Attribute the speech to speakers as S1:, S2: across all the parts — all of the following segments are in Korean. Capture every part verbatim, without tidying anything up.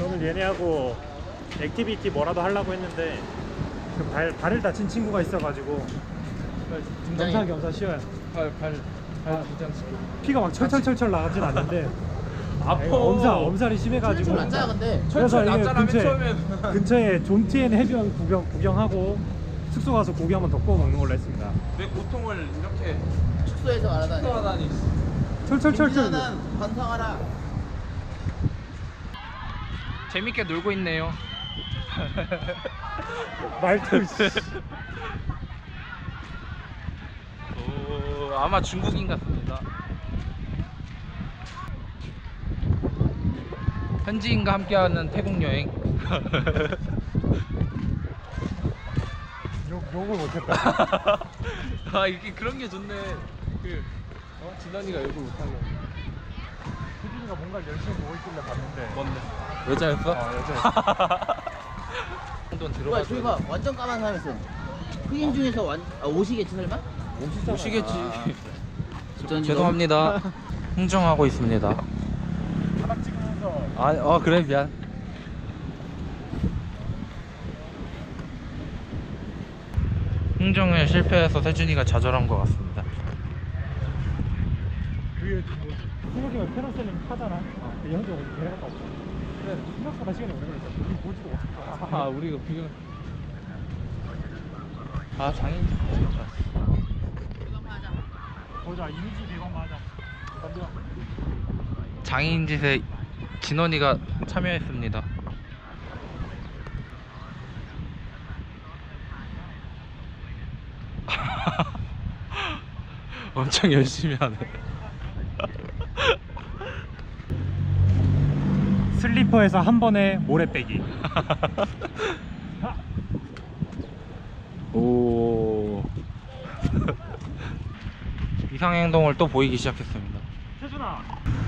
S1: 오늘 얘네하고 액티비티 뭐라도 하려고 했는데 그 발, 발을 다친 친구가 있어가지고 겸사겸사 쉬어요.
S2: 발, 발, 발 긴장시켜.
S1: 피가 막 철철철철 나가진 않는데
S2: 아파.
S1: 엄살, 엄살이 심해가지고
S3: 철철 낫잖아 근데.
S1: 그래서 이게
S2: 낫잖아, 맨
S1: 근처에,
S2: 처음엔.
S1: 근처에 존티엔 해변 구경, 구경하고 숙소 가서 고기 한번 더 구워 먹는 걸로 했습니다.
S2: 내 고통을 이렇게
S3: 숙소에서 말하다니.
S2: 표하다니.
S1: 철철철철
S3: 김진아는 반성하라.
S2: 재밌게 놀고 있네요.
S1: 말투
S2: 오, 아마 중국인 같습니다. 현지인과 함께하는 태국 여행.
S1: 욕, 욕을 못했다.
S2: 아, 이게 그런 게 좋네. 그 어? 진환이가 욕을 못하게.
S1: 수진이가 뭔가 열심히 보고 있길래 봤는데
S2: 뭔데? 여자였어?
S1: 어, 여자였어.
S2: 한돈
S3: 뭐야
S2: 들어가서.
S3: 저기 봐 완전 까만 사람 있어. 흑인 중에서 완 아, 옷이겠지 설마?
S2: 오시겠지.
S3: 어쩐지
S2: 죄송합니다. 흥정하고 있습니다.
S1: 바닥 찍으면서
S2: 아, 어 그래 미안. 흥정에 실패해서 세준이가 좌절한 것 같습니다.
S1: 그게 뭐 생각해보면 페러셀링 타잖아. 그 현재 어디 데려갔다 왔어. 근데 생각보다 시간이 오래 걸렸어. 우리 보지도 못했어.
S2: 아 우리가 비교. 아 장인.
S1: 보자 이미지 백 원 맞아. 덤벼.
S2: 장인 짓에 진원이가 참여했습니다. 엄청 열심히 하네.
S1: 슬리퍼에서 한 번에 모래 빼기.
S2: 오. 이상 행동을 또 보이기 시작했습니다.
S1: 세준아.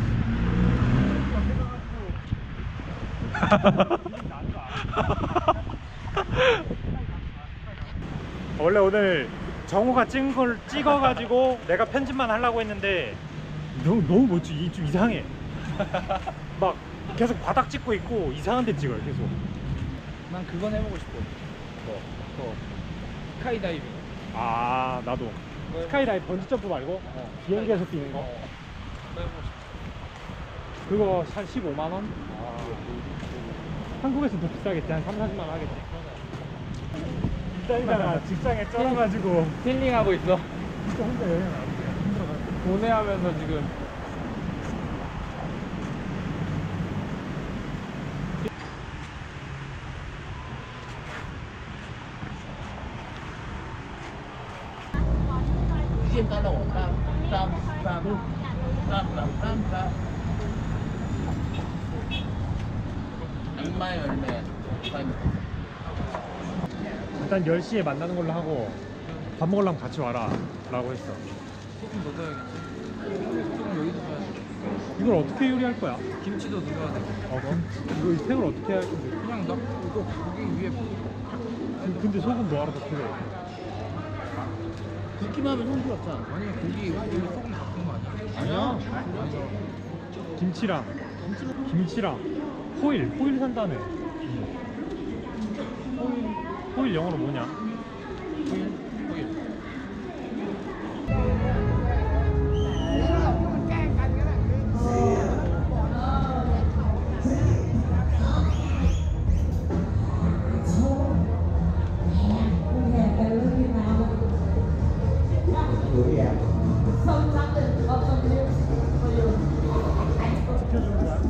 S1: 원래 오늘 정우가 찍은 걸 찍어가지고 내가 편집만 하려고 했는데 너무 너무 뭐지 좀 이상해. 막 계속 바닥 찍고 있고 이상한 데 찍어요 계속.
S2: 난 그건 해보고 싶어. 뭐, 뭐 스카이다이빙.
S1: 아 나도 스카이다이브 번지점프 말고
S2: 어.
S1: 비행기에서 뛰는 거.
S2: 어. 그거 해보고 싶어.
S1: 그거 한 십오만 원? 한국에서 더 비싸겠지. 한 삼, 사십만 원 하겠지. 비싸니까 직장에 쩔어가지고
S2: 힐링하고 있어.
S1: 진짜 혼자 여행 안 돼. 힘들어가지고.
S2: 고뇌하면서 지금.
S3: 비지엠 깔라고. 빰빰빰빰빰빰빰. 악마의 열매.
S1: 일단 열 시에 만나는 걸로 하고 밥 먹으려면 같이 와라 라고 했어.
S2: 소금 더 넣어야겠지. 소금 여기서 넣어야지.
S1: 이걸 어떻게 요리할 거야?
S2: 김치도 넣어야 돼.
S1: 어, 김치. 이거 이 새우를 어떻게 할 건데?
S2: 그냥 나 이거 고기 위에
S1: 그- 근데 소금 뭐하러 더 필요해?
S3: 굽기만 하면 손 부럽잖아.
S2: 아니 고기 이거 소금 바꾼 거 아니야?
S1: 아니야.
S2: 아니야.
S1: 김치랑 김치랑 호일 호일 산다네. 호일 호일 영어로 뭐냐?
S2: 오일 오일.
S1: 시켜주는 거야?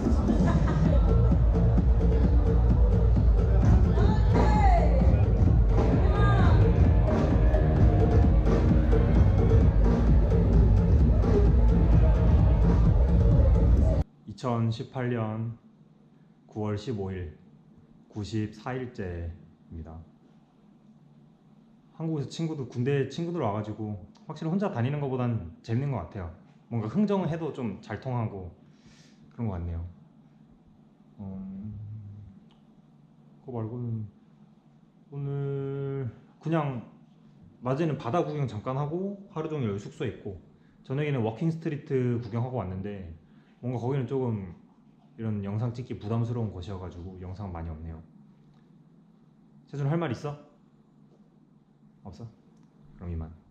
S1: 이천십팔 년 구월 십오일 구십사 일째입니다. 한국에서 친구들 군대 친구들 와가지고 확실히 혼자 다니는 것보단 재밌는 것 같아요. 뭔가 흥정을 해도 좀 잘 통하고 그런 것 같네요. 어... 그거 말고는 오늘 그냥 낮에는 바다 구경 잠깐 하고 하루 종일 여기 숙소에 있고 저녁에는 워킹 스트리트 구경하고 왔는데 뭔가 거기는 조금 이런 영상 찍기 부담스러운 곳이어가지고 영상 많이 없네요. 세준 할 말 있어? 없어? 그럼 이만.